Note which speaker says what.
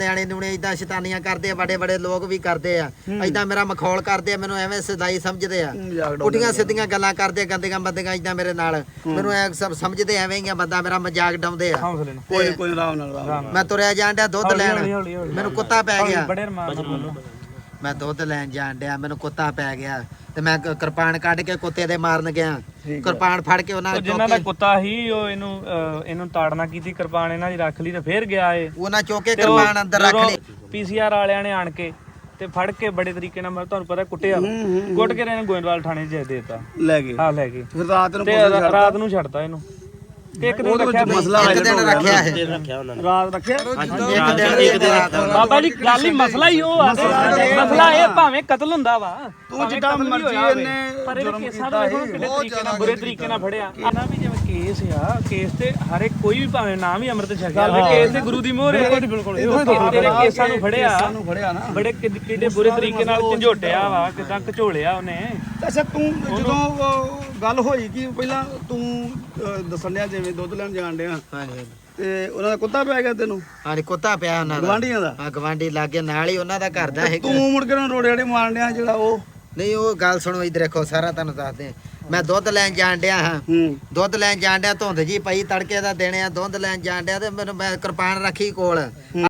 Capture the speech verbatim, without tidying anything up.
Speaker 1: ਨਿਆਣੇ ਨੂਣੇ ਇਦਾਂ ਸ਼ੈਤਾਨੀਆਂ ਕਰਦੇ ਆ, ਬੜੇ ਬੜੇ ਲੋਕ ਵੀ ਕਰਦੇ ਆ ਇਦਾਂ ਮੇਰਾ ਮਖੌਲ ਕਰਦੇ ਆ, ਮੈਨੂੰ ਐਵੇਂ ਸਦਾਈ ਸਮਝਦੇ ਆ, ਪੁੱਠੀਆਂ ਸਿੱਧੀਆਂ ਗੱਲਾਂ ਕਰਦੇ ਗੰਦੀਆਂ ਬੰਦੀਆਂ ਇਦਾਂ ਮੇਰੇ ਨਾਲ, ਮੈਨੂੰ ਐ ਸਭ ਸਮਝਦੇ ਐਵੇਂ ਹੀ ਆ, ਬੰਦਾ ਮੇਰਾ ਮਜ਼ਾਕ ਡਾਉਂਦੇ ਆ।
Speaker 2: ਕੋਈ ਕੋਈ ਆਰਾਮ ਨਾਲ
Speaker 1: ਮੈਂ ਤੁਰਿਆ ਜਾਣ ਡਿਆ ਦੁੱਧ ਲੈਣ, ਮੈਨੂੰ ਕੁੱਤਾ ਪੈ ਗਿਆ,
Speaker 3: ਬੜੇ
Speaker 1: ਮੈਂ ਦੁੱਧ ਲੈਣ ਜਾਣ ਡਿਆ ਮੈਨੂੰ ਕੁੱਤਾ ਪੈ ਗਿਆ ਤੇ ਮੈਂ ਕਿਰਪਾਨ ਕੱਢ ਕੇ ਕੁੱਤੇ ਦੇ ਮਾਰਨ ਗਿਆ, ਕਿਰਪਾਨ ਫੜ ਕੇ ਉਹਨਾਂ
Speaker 3: ਜਿਨ੍ਹਾਂ ਦਾ ਕੁੱਤਾ ਸੀ ਉਹ ਇਹਨੂੰ ਇਹਨੂੰ ਤਾੜਨਾ ਕੀਤੀ, ਕਿਰਪਾਨ ਇਹਨਾਂ ਦੀ ਰੱਖ ਲਈ ਤੇ ਫੇਰ ਗਿਆ ਏ,
Speaker 1: ਉਹਨਾਂ ਚੁੱਕ ਕੇ ਕਿਰਪਾਨ ਅੰਦਰ ਰੱਖ ਲਈ।
Speaker 3: ਪੀਸੀਆਰ ਵਾਲਿਆਂ ਨੇ ਆਣ ਕੇ ਤੇ ਫੜ ਕੇ ਬੜੇ ਤਰੀਕੇ ਨਾਲ ਤੁਹਾਨੂੰ ਪਤਾ ਕੁੱਟਿਆ, ਕੁੱਟ ਕੇ ਇਹਨੇ ਗੋਇੰਦਵਾਲ ਥਾਣੇ 'ਚ ਦੇ ਦਿੱਤਾ,
Speaker 2: ਲੈ ਗਏ
Speaker 3: ਹਾਂ ਲੈ ਗਏ,
Speaker 2: ਫਿਰ ਰਾਤ ਨੂੰ
Speaker 3: ਤੇ ਰਾਤ ਨੂੰ ਛੱਡਤਾ ਇਹਨੂੰ। ਇੱਕ ਦਿਨ ਰੱਖਿਆ,
Speaker 2: ਮਸਲਾ
Speaker 1: ਇੱਕ ਦਿਨ ਰੱਖਿਆ ਹੈ,
Speaker 2: ਰਾਤ ਰੱਖਿਆ
Speaker 1: ਇੱਕ ਦਿਨ ਇੱਕ ਦਿਨ
Speaker 3: ਬਾਬਾ ਜੀ ਗੱਲ ਹੀ ਮਸਲਾ ਹੀ ਉਹ ਆ, ਮਸਲਾ ਇਹ ਭਾਵੇਂ ਕਤਲ ਹੁੰਦਾ ਵਾ,
Speaker 2: ਤੂੰ ਜਿੱਦਾਂ ਮਰਜ਼ੀ ਇਹਨੇ
Speaker 3: ਪਰ ਇਹ ਕੇਸਾਂ ਦਾ ਦੇਖੋ ਕਿੰਨੇ ਤਰੀਕੇ ਨਾਲ ਬੁਰੇ ਤਰੀਕੇ ਨਾਲ ਫੜਿਆ ਇਹਨਾਂ ਵੀ। ਜਿਵੇਂ ਕੇਸ ਆ, ਕੇਸ ਤੇ ਹਰ ਇੱਕ ਕੋਈ ਵੀ ਭਾਵੇਂ ਨਾ ਵੀ ਅੰਮ੍ਰਿਤ ਛਕਿਆ ਹੋਵੇ, ਕੇਸ ਤੇ ਗੁਰੂ ਦੀ ਮੋਹਰ ਹੈ। ਤੇਰੇ ਕੇਸਾਂ ਨੂੰ ਫੜਿਆ
Speaker 2: ਨੂੰ ਫੜਿਆ ਨਾ
Speaker 3: ਬੜੇ ਕਿੱਡੇ ਬੁਰੇ ਤਰੀਕੇ ਨਾਲ ਝੰਜੋਟਿਆ ਵਾ, ਕਿਦਾਂ ਘਚੋਲਿਆ ਉਹਨੇ।
Speaker 2: ਅੱਛਾ ਤੂੰ ਜਦੋਂ ਉਹ ਗੱਲ ਹੋਈ ਕਿ ਪਹਿਲਾਂ ਤੂੰ ਅਹ, ਦੱਸਣ ਡਿਆ ਜਿਵੇਂ ਦੁੱਧ ਲੈਣ ਜਾਣ ਡਿਆ
Speaker 1: ਹਾਂਜੀ
Speaker 2: ਤੇ ਉਹਨਾਂ ਦਾ ਕੁੱਤਾ ਪੈ ਗਿਆ ਤੈਨੂੰ,
Speaker 1: ਹਾਂਜੀ ਕੁੱਤਾ ਪਿਆ ਉਹਨਾਂ ਦਾ,
Speaker 2: ਗਵਾਂਢੀਆਂ ਦਾ।
Speaker 1: ਹਾਂ ਗਵਾਂਢੀ ਲਾਗੇ ਨਾਲ ਹੀ ਉਹਨਾਂ ਦਾ ਘਰ ਦਾ ਹੈਗਾ।
Speaker 2: ਤੂੰ ਮੁੜ ਕੇ ਉਹਨਾਂ ਰੋੜੇ ਰੜੇ ਮਾਰਨ ਡਿਆ ਜਿਹੜਾ ਉਹ
Speaker 1: ਨਹੀਂ ਉਹ ਗੱਲ ਸੁਣੋ ਇੱਧਰ ਦੇਖੋ, ਸਾਰਾ ਤੁਹਾਨੂੰ ਦੱਸਦੇ। ਮੈਂ ਦੁੱਧ ਲੈਣ ਜਾਣ ਡਿਆ ਹਾਂ,
Speaker 2: ਹੂੰ
Speaker 1: ਦੁੱਧ ਲੈਣ ਜਾਣ ਡਿਆ, ਧੁੰਦ ਜੀ ਪਈ ਤੜਕੇ ਦਾ ਦੇਣੇ ਆ, ਦੁੱਧ ਲੈਣ ਜਾਣ ਡਿਆ ਤੇ ਮੈਨੂੰ ਮੈਂ ਕਿਰਪਾਨ ਰੱਖੀ ਕੋਲ।